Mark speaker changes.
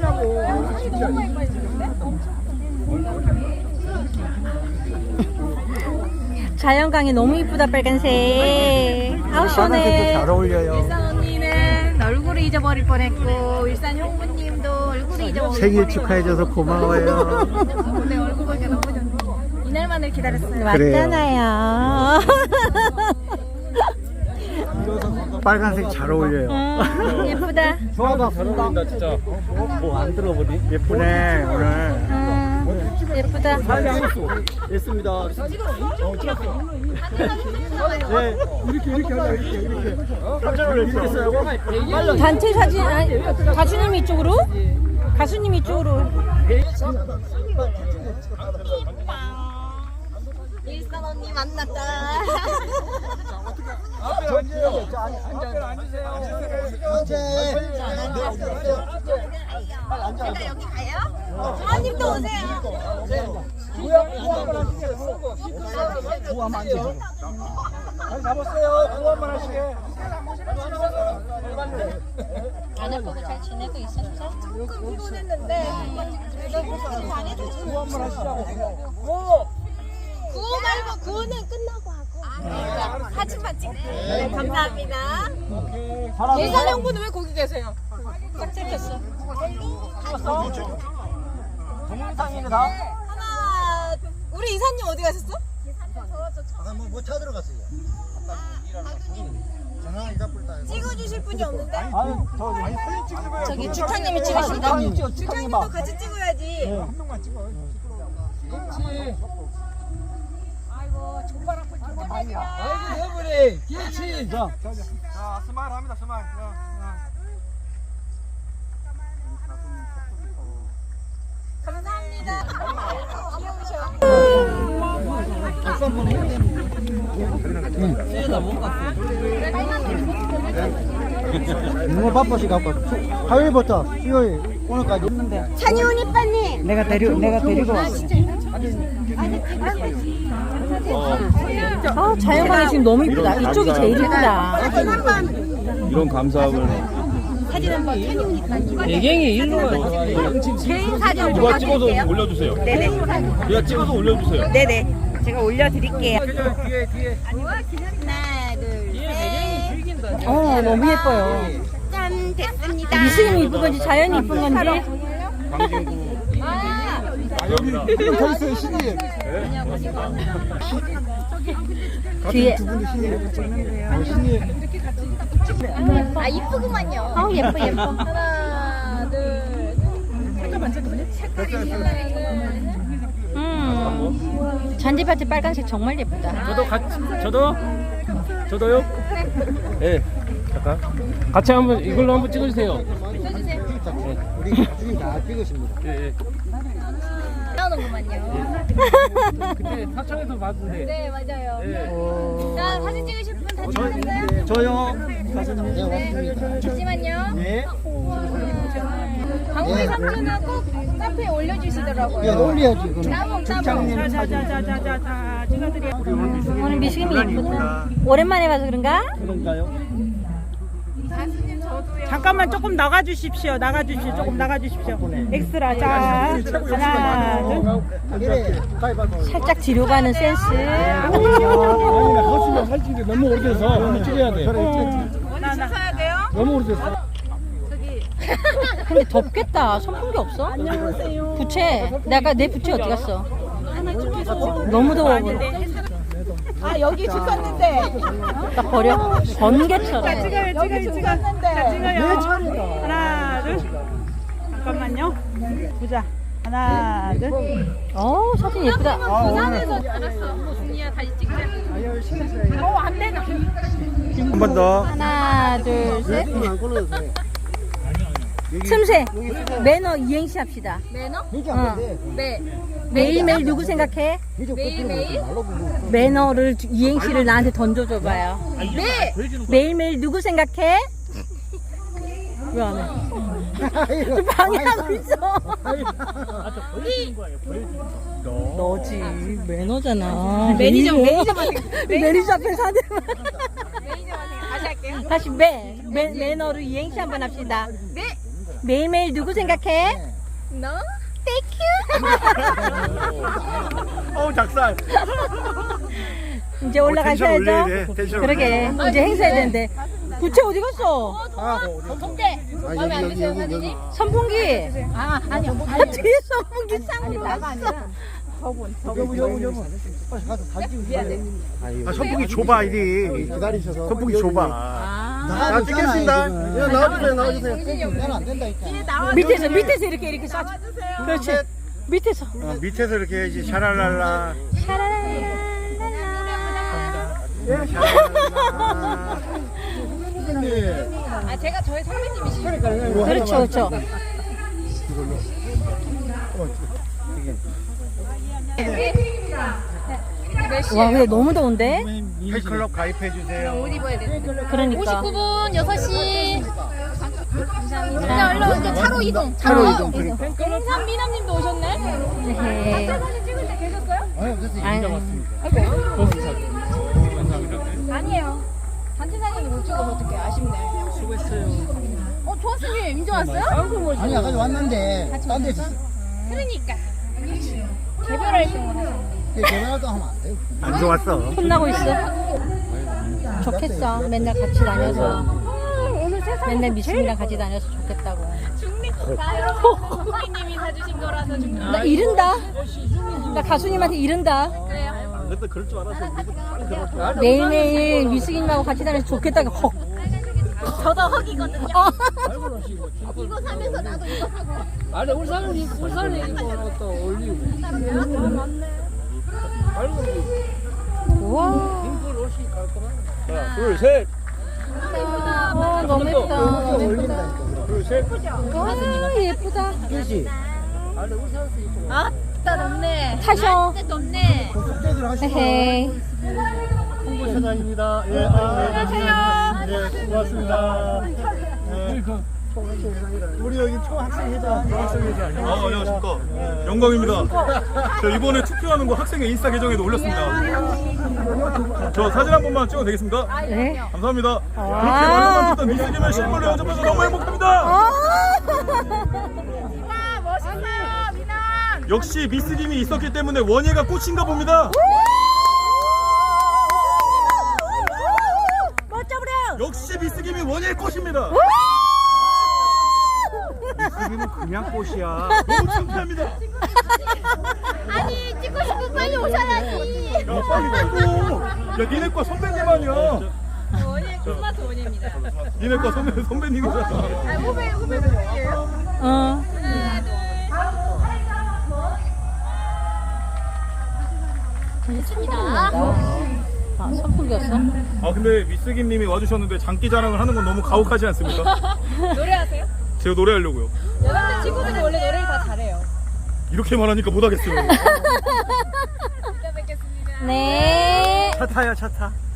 Speaker 1: 자연광이 너무 이쁘다. 빨간색. 아우 시원해.
Speaker 2: 잘 어울려요.
Speaker 1: 일산 언니는 얼굴을 잊어버릴 뻔했고 일산 형부님도 얼굴을 잊어버릴
Speaker 2: 생일
Speaker 1: 뻔했고.
Speaker 2: 축하해줘서 고마워요.
Speaker 1: 내 얼굴 보니까 너무 좋네. 이날만을 기다렸어요.
Speaker 2: 그래요.
Speaker 1: 맞잖아요.
Speaker 2: 빨간색 잘 어울려요.
Speaker 1: 예쁘다.
Speaker 2: 좋아가 잘 어울린다 진짜. 뭐 안 들어보니? 예쁘네 오늘.
Speaker 1: 예쁘다.
Speaker 2: 됐습니다. 네. 이렇게 하자 이렇게. 깜짝 놀랐어요.
Speaker 1: 단체 사진 아니, 가수님 이쪽으로? 가수님 이쪽으로. 일산 언니 만났다. 제가 여기 가요? 주원님도 오세요.
Speaker 2: 구호 한번 하시게. 잡았어요. 구호 한번 하시게.
Speaker 1: 아내 보고 잘 지내고 있었어? 조금 피곤했는데
Speaker 2: 구호 한번 하시자고.
Speaker 1: 구호 말고 구호는 끝나고 하고 사진만 찍고. 네, 감사합니다. 일산 형부는 왜 거기 계세요? 딱 찍혔어.
Speaker 2: 동영상이네 다.
Speaker 1: 하나, 우리 이사님 어디 가셨어?
Speaker 3: 뭐 찾으러 갔어요. 전화 안 잡을 때.
Speaker 1: 찍어주실 분이 없는데?
Speaker 2: 아유
Speaker 1: 저기 주타님이 찍으신다.
Speaker 2: 주타님.
Speaker 1: 주타님도 같이 찍어야지.
Speaker 2: 한 명만 찍어. 그렇지.
Speaker 1: 아이고 족발 한번 찍어주세요.
Speaker 2: 아이고 여보래. 그렇지. 자 스마일 합니다 스마일.
Speaker 1: 감사합니다. 귀여우셔.
Speaker 3: 너무 바빠시 갖고 화요일부터 수요일 오늘까지 있는데.
Speaker 1: 찬이온 이빠님.
Speaker 3: 내가 데리고 왔어.
Speaker 1: 아 자연광이 지금 너무 이쁘다. 이쪽이 제일 이쁘다.
Speaker 4: 이런 감사함을
Speaker 2: 배경이 일로 와.
Speaker 1: 개인 사진
Speaker 4: 누가 찍어서 올려주세요.
Speaker 1: 네네.
Speaker 4: 누가 찍어서 올려주세요.
Speaker 1: 네네. 제가 올려드릴게요.
Speaker 2: 뒤에.
Speaker 1: 하나, 둘, 셋. 너무 예뻐요. 짠, 됐습니다. 미술이 이쁜 건지 자연이 이쁜 건지.
Speaker 4: 광진구
Speaker 3: 여기 서 있어요 신이.
Speaker 1: 뒤에.
Speaker 3: 두 분이 신이.
Speaker 1: 아, 이쁘구만요. 예뻐. 하나, 둘. 잠깐만. 잔디밭에 빨간색 정말 예쁘다.
Speaker 4: 저도요? 네. 잠깐. 같이 한번 이걸로 한번 찍어주세요.
Speaker 3: 우리 가족이 다 찍으십니다.
Speaker 4: 예.
Speaker 1: 나오는구만요.
Speaker 4: 그때 사천에서 봤는데.
Speaker 1: 네, 맞아요.
Speaker 4: 예.
Speaker 1: 자, 사진 찍으실 분 다 찍으셨어요?
Speaker 3: 저요. 가수님. 네 왔습니다.
Speaker 1: 잠시만요.
Speaker 3: 네.
Speaker 1: 강우리 삼촌은 꼭 카페에 올려주시더라고요.
Speaker 3: 네 올려야지 그럼.
Speaker 1: 따봉.
Speaker 2: 자자자자자 찍어드려.
Speaker 1: 오늘 미식이 예쁘다. 오랜만에 봐서 그런가?
Speaker 3: 그런가요?
Speaker 2: 잠깐만 조금 나가주십시오. 조금 나가주십시오. 엑스트라 자 하나 둘.
Speaker 3: 그래. 가위바위보.
Speaker 1: 살짝 뒤로 가는 센스.
Speaker 4: 거치면 살찐 게 너무 오래돼서 너무 찍어야 돼. 너무 오래됐어.
Speaker 1: 근데 덥겠다. 선풍기 없어? 안녕하세요. 부채. 내 부채 어디 갔어? 너무 더워 보여.
Speaker 2: 아 여기 죽었는데.
Speaker 1: 딱 버려. 번개처럼.
Speaker 2: 찍어요. 하나 둘. 잠깐만요. 보자. 하나 둘.
Speaker 1: 사진 예쁘다.
Speaker 2: 부산에서
Speaker 4: 한 번 더.
Speaker 1: 하나, 둘, 셋.
Speaker 3: 안 걸어도 돼.
Speaker 1: 틈새. 매너 이행시 합시다.
Speaker 3: 이게 안 돼.
Speaker 1: 네. 매일매일 누구 생각해?
Speaker 3: 매일매일?
Speaker 1: 매너를 이행시를 나한테 던져줘봐요. 네. 매일매일 누구 생각해? 왜 안 해? 좀 방해하고 있어. 너지. 매너잖아. 매니저 앞에 사대만. 다시 할게요. 다시 매너로 이행시 한번 합시다.
Speaker 5: 매일매일 누구 생각해?
Speaker 1: 너?
Speaker 2: 어우 작살.
Speaker 5: 이제 올라가셔야죠.
Speaker 2: 올려야 돼. 텐션
Speaker 5: 그러게 이제 행사해야 되는데. 부채 어디 갔어?
Speaker 1: 동대. 마음에 안 드세요 사진이?
Speaker 5: 선풍기.
Speaker 1: 아 아니요.
Speaker 5: 뒤에 선풍기 쌍이 났어.
Speaker 3: 여분 빨리 가서 사진 찍으세요.
Speaker 2: 아 선풍기 좁아 이리.
Speaker 3: 기다리셔서
Speaker 2: 선풍기 좁아.
Speaker 3: 나가도
Speaker 2: 찍겠습니다.
Speaker 3: 있잖아,
Speaker 2: 야, 나와주세요.
Speaker 3: 나는 안 된다니까.
Speaker 5: 밑에서 이렇게 쏴. 그렇지. 밑에서.
Speaker 2: 밑에서 이렇게 해야지. 샤랄랄라.
Speaker 1: 아 제가 저희 선배님이시죠.
Speaker 5: 그렇죠, 그렇죠. 와, 근데 너무 더운데?
Speaker 2: 팬클럽 가입해 주세요.
Speaker 1: 옷 입어야 돼.
Speaker 5: 그러니까.
Speaker 1: 59분 6시. 감사합니다. 얼른 이제 차로 이동.
Speaker 3: 차로 이동.
Speaker 1: 인삼 미남님도 오셨네.
Speaker 5: 네.
Speaker 1: 사진 찍을 때 계셨어요?
Speaker 5: 아유,
Speaker 1: 아니에요. 단체 사진이 못 찍어서 어떡해. 아쉽네. 수고했어요. 조아스님 인정 왔어요?
Speaker 3: 아니 아까 왔는데 딴 데서
Speaker 1: 그러니까. 개별할 경우는.
Speaker 3: 개발도 하면 안 돼요.
Speaker 2: 안 좋았어.
Speaker 5: 혼나고 있어. 좋겠어. 맨날 같이 다녀서. 맨날 미숙이랑 같이 다녀서 좋겠다고.
Speaker 1: 고객님이 사주신 거라서 좀.
Speaker 5: 나 이른다. 나 가수님한테 이른다.
Speaker 2: 근데 그럴 줄 알았어.
Speaker 5: 매일매일 미숙이님하고 같이 다녀서 좋겠다고. 헉.
Speaker 1: 저도 헉이거든요.
Speaker 5: 어.
Speaker 1: 이거 사면서 나도 이거 사고.
Speaker 4: 아니 울산은 이거 또 올리고.
Speaker 5: 우와.
Speaker 4: 하나 둘 셋.
Speaker 5: 너무 예쁘다. 너무 예쁘다.
Speaker 4: 둘 셋.
Speaker 5: 와, 예쁘다.
Speaker 3: 그렇지.
Speaker 1: 아따 덥네.
Speaker 5: 타셔.
Speaker 1: 진짜 덥네.
Speaker 3: 숙제들 하시고.
Speaker 5: 헤헤.
Speaker 2: 홍보차장입니다. 예, 예, 고맙습니다.
Speaker 3: 우리 여기 초학생회장.
Speaker 2: 안녕하십니까. 영광입니다. 저 이번에 투표하는 거 학생의 인스타 계정에도 올렸습니다. 저 사진 한 번만 찍어도 되겠습니까?
Speaker 5: 네.
Speaker 2: 감사합니다. 그렇게 말로만 듣던 미스님의 실물로 연접해서 너무 행복합니다.
Speaker 1: 멋있어요, 미남.
Speaker 2: 역시 미스님이 있었기 때문에 원예가 꽃인가 봅니다.
Speaker 5: 멋져버려.
Speaker 2: 역시 미스님이 원예의 꽃입니다. 미스님은 그냥 꽃이야. 너무 창피합니다.
Speaker 1: 아니 찍고 싶으면 빨리 오셔야지.
Speaker 2: 야 빨리 말고. 야 니네과 선배님 아니야.
Speaker 1: 원예 크리스마스 원예입니다.
Speaker 2: 니네과 선배님이잖아.
Speaker 1: 후배님이에요.
Speaker 5: 어.
Speaker 1: 좋습니다.
Speaker 5: 아, 선풍기였어?
Speaker 2: 아 근데 미스김님이 와주셨는데 장기 자랑을 하는 건 너무 가혹하지 않습니까?
Speaker 1: 노래하세요?
Speaker 2: 제가 노래하려고요.
Speaker 1: 여자들 친구들이 원래 노래를 다 잘해요.
Speaker 2: 이렇게 말하니까 못하겠어요.
Speaker 1: 이따 뵙겠습니다.
Speaker 5: 네.
Speaker 2: 차 타요 차 타.